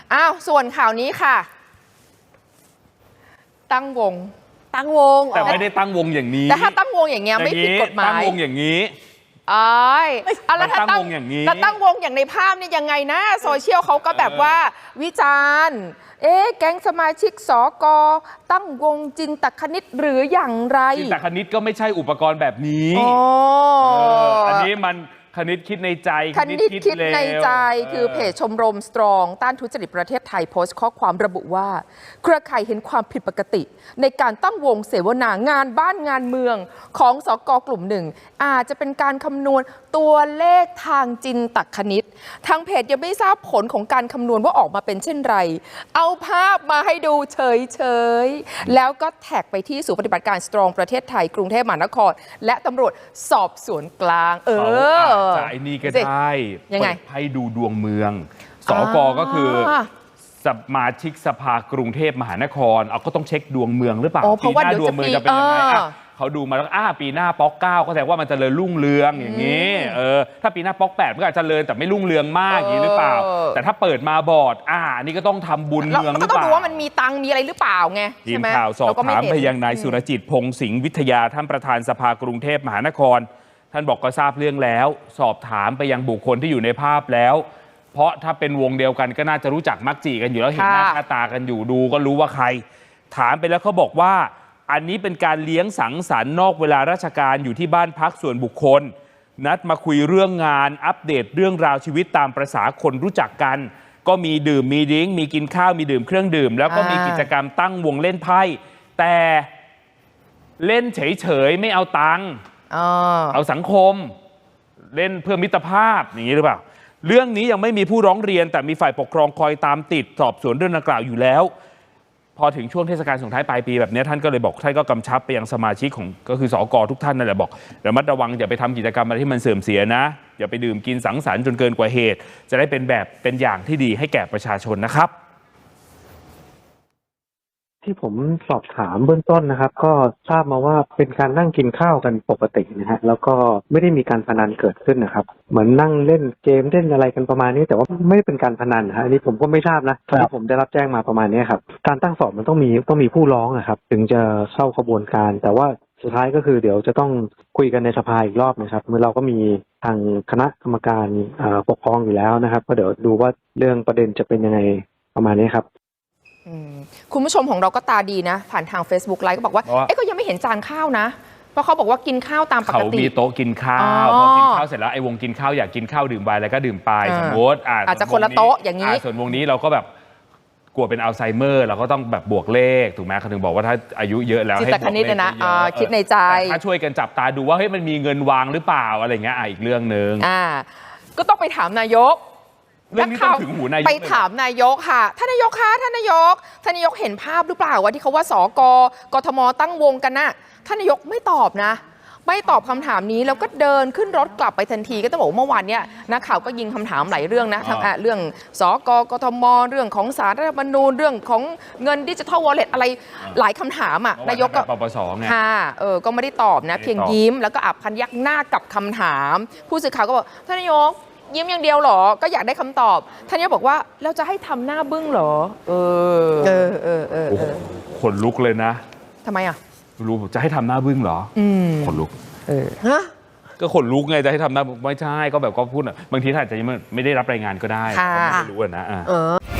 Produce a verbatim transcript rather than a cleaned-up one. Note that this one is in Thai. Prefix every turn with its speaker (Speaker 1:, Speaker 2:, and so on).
Speaker 1: อ้าวส่วนข่าวนี้ค่ะตั้งวง
Speaker 2: ตั้งวง
Speaker 3: แต่ไม่ได้ตั้งวงอย่างนี้
Speaker 1: แต่ถ้าตั้งวงอย่างเงี้ยไม่ผิดกฎหมาย
Speaker 3: ตั้งวงอย่างนี้
Speaker 1: อ๋อแล้วถ้าตั้งวง
Speaker 3: อย่างนี้
Speaker 1: แล้วตั้งวงอย่างในภาพนี่ยังไงนะโซเชียลเขาก็แบบว่าวิจารณ์เอ๊ะแก๊งสมาชิกสกตั้งวงจินตคณิตหรืออย่างไร
Speaker 3: จินตคณิตก็ไม่ใช่อุปกรณ์แบบนี้อันนี้มันคณิตคิดในใจ
Speaker 1: คณิตคิดในใจคือเพจชมรมสตรองต้านทุจริตประเทศไทยโพสต์ข้อความระบุว่าเครือข่ายเห็นความผิดปกติในการตั้งวงเสวนางานบ้านงานเมืองของสกกลุ่มหนึ่งอาจจะเป็นการคำนวณตัวเลขทางจินตคณิตทางเพจยังไม่ทราบผลของการคำนวณว่าออกมาเป็นเช่นไรเอาภาพมาให้ดูเฉยๆแล้วก็แท็กไปที่ศูนย์ปฏิบัติการสตรองประเทศไทยกรุงเทพมหานครและตำรวจสอบสวนกลางเออ
Speaker 3: จะไอ้นี่ก็ได้
Speaker 1: ยังไง
Speaker 3: ให้ดูดวงเมืองสกก็คือสมาชิกสภากรุงเทพมหานครเอาก็ต้องเช็คดวงเมืองหรือเปล่า
Speaker 1: ปีหน้า
Speaker 3: ดวงเมืองจะเป็นยังไงเขาดูมาแล้วอ้าปีหน้าป๊อกเก้าก็แสดงว่ามันจะเจริญรุ่งเรืองอย่างนี้เออถ้าปีหน้าป๊อกแปดมันก็อาจจะเจริญแต่ไม่รุ่งเรืองมากอย่างนี้หรือเปล่าแต่ถ้าเปิดมาบอดอ่าอันนี้ก็ต้องทำบุญเมืองหรือเปล่า
Speaker 1: ก็ต้องดูว่ามันมีตังมีอะไรหรือเปล่าไง
Speaker 3: ทีมข่าวสอบถามไปยังนายสุรจิตพงษ์สิงห์วิทยาท่านประธานสภากรุงเทพมหานครท่านบอกก็ทราบเรื่องแล้วสอบถามไปยังบุคคลที่อยู่ในภาพแล้วเพราะถ้าเป็นวงเดียวกันก็น่าจะรู้จักมักจีกันอยู่แล้วเห็นหน้าค่าตากันอยู่ดูก็รู้ว่าใครถามไปแล้วเขาบอกว่าอันนี้เป็นการเลี้ยงสังสรรค์นอกเวลาราชการอยู่ที่บ้านพักส่วนบุคคลนัดมาคุยเรื่องงานอัปเดตเรื่องราวชีวิตตามประสาคนรู้จักกันก็มีดื่มมีดิ้งมีกินข้าวมีดื่มเครื่องดื่มแล้วก็มีกิจกรรมตั้งวงเล่นไพ่แต่เล่นเฉยๆไม่เอาตังค์เอาสังคมเล่นเพื่อมิตรภาพอย่างนี้หรือเปล่าเรื่องนี้ยังไม่มีผู้ร้องเรียนแต่มีฝ่ายปกครองคอยตามติดสอบสวนเรื่องดังกล่าวอยู่แล้วพอถึงช่วงเทศกาลส่งท้ายปลายปีแบบนี้ท่านก็เลยบอกท่านก็กำชับไปยังสมาชิกของก็คือสกทุกท่านนั่นแหละบอกระมัดระวังอย่าไปทำกิจกรรมอะไรที่มันเสื่อมเสียนะอย่าไปดื่มกินสังสรรค์จนเกินกว่าเหตุจะได้เป็นแบบเป็นอย่างที่ดีให้แก่ประชาชนนะครับ
Speaker 4: ที่ผมสอบถามเบื้องต้นนะครับก็ทราบมาว่าเป็นการนั่งกินข้าวกันปกตินะฮะแล้วก็ไม่ได้มีการพนันเกิดขึ้นนะครับเหมือนนั่งเล่นเกมเล่นอะไรกันประมาณนี้แต่ว่าไม่ได้เป็นการพนันนะฮะอันนี้ผมก็ไม่ทราบนะที่ผมได้รับแจ้งมาประมาณนี้ครับการตั้งสอบมันต้องมีต้องมีผู้ร้องนะครับถึงจะเข้าขบวนการแต่ว่าสุดท้ายก็คือเดี๋ยวจะต้องคุยกันในสภาอีกรอบนะครับเมื่อเราก็มีทางคณะกรรมการปกครองอยู่แล้วนะครับก็เดี๋ยวดูว่าเรื่องประเด็นจะเป็นยังไงประมาณนี้ครับ
Speaker 1: คุณผู้ชมของเราก็ตาดีนะผ่านทาง Facebook ไลฟ์ก็บอกว่าเอ๊ะก็ยังไม่เห็นจานข้าวนะเพราะเขาบอกว่ากินข้าวตามปกติ
Speaker 3: เขามีโต๊ะกินข้าวพอกินข้าวเสร็จแล้วไอ้วงกินข้าวอยากกินข้าวดื่มไวน์อะไรก็ดื่มไปสมมติ
Speaker 1: อาจจะคนละโต๊ะอย่างนี้
Speaker 3: ส่วนวงนี้เราก็แบบกลัวเป็นอัลไซเมอร์เราก็ต้องแบบบวกเลขถูกไหมเขาถึงบอกว่าถ้าอายุเยอะแล้ว
Speaker 1: ให้บวกเลขนะคิดในใจ
Speaker 3: ถ้าช่วยกันจับตาดูว่าเฮ้ยมันมีเงินวางหรือเปล่าอะไรเงี้ยอีกเรื่องนึง
Speaker 1: ก็ต้องไปถามนายก
Speaker 3: นักข่าว
Speaker 1: ไปถามนายกค่ะท่านนายกคะท่านนายกท่านนายกเห็นภาพหรือเปล่าว่าที่เขาว่าสกกทมตั้งวงกันน่ะท่านนายกไม่ตอบนะไม่ตอบคำถามนี้แล้วก็เดินขึ้นรถกลับไปทันทีก็ต้องบอกเมื่อวานเนี้ยนักข่าวก็ยิงคำถามหลายเรื่องนะทั้งเรื่องสกกทมเรื่องของศาลรัฐธรรมนูญเรื่องของเงินดิจิทัลวอลเล็ตอะไรหลายคำถามอ่ะนายกก็
Speaker 3: ปปสไง
Speaker 1: ค่ะเออก็ไม่ได้ตอบนะเพียงยิ้มแล้วก็อับพันยักหน้ากับคำถามผู้สื่อข่าวก็บอกท่านนายกยิ้มอย่างเดียวหรอก็อยากได้คำตอบท่านนายกบอกว่าเราจะให้ทำหน้าบึ้งหรอเออเออเออเออ
Speaker 3: ขนลุกเลยนะ
Speaker 1: ทำไมอ่ะ
Speaker 3: รู้จะให้ทำหน้าบึ้งเหรอขนลุก
Speaker 1: เออฮะ
Speaker 3: ก็ขนลุกไงจะให้ทำหน้าไม่ใช่ก็แบบก็พูดบางทีท่านอาจจะไม่ได้รับรายงานก็ได้ไม่รู้นะอ่า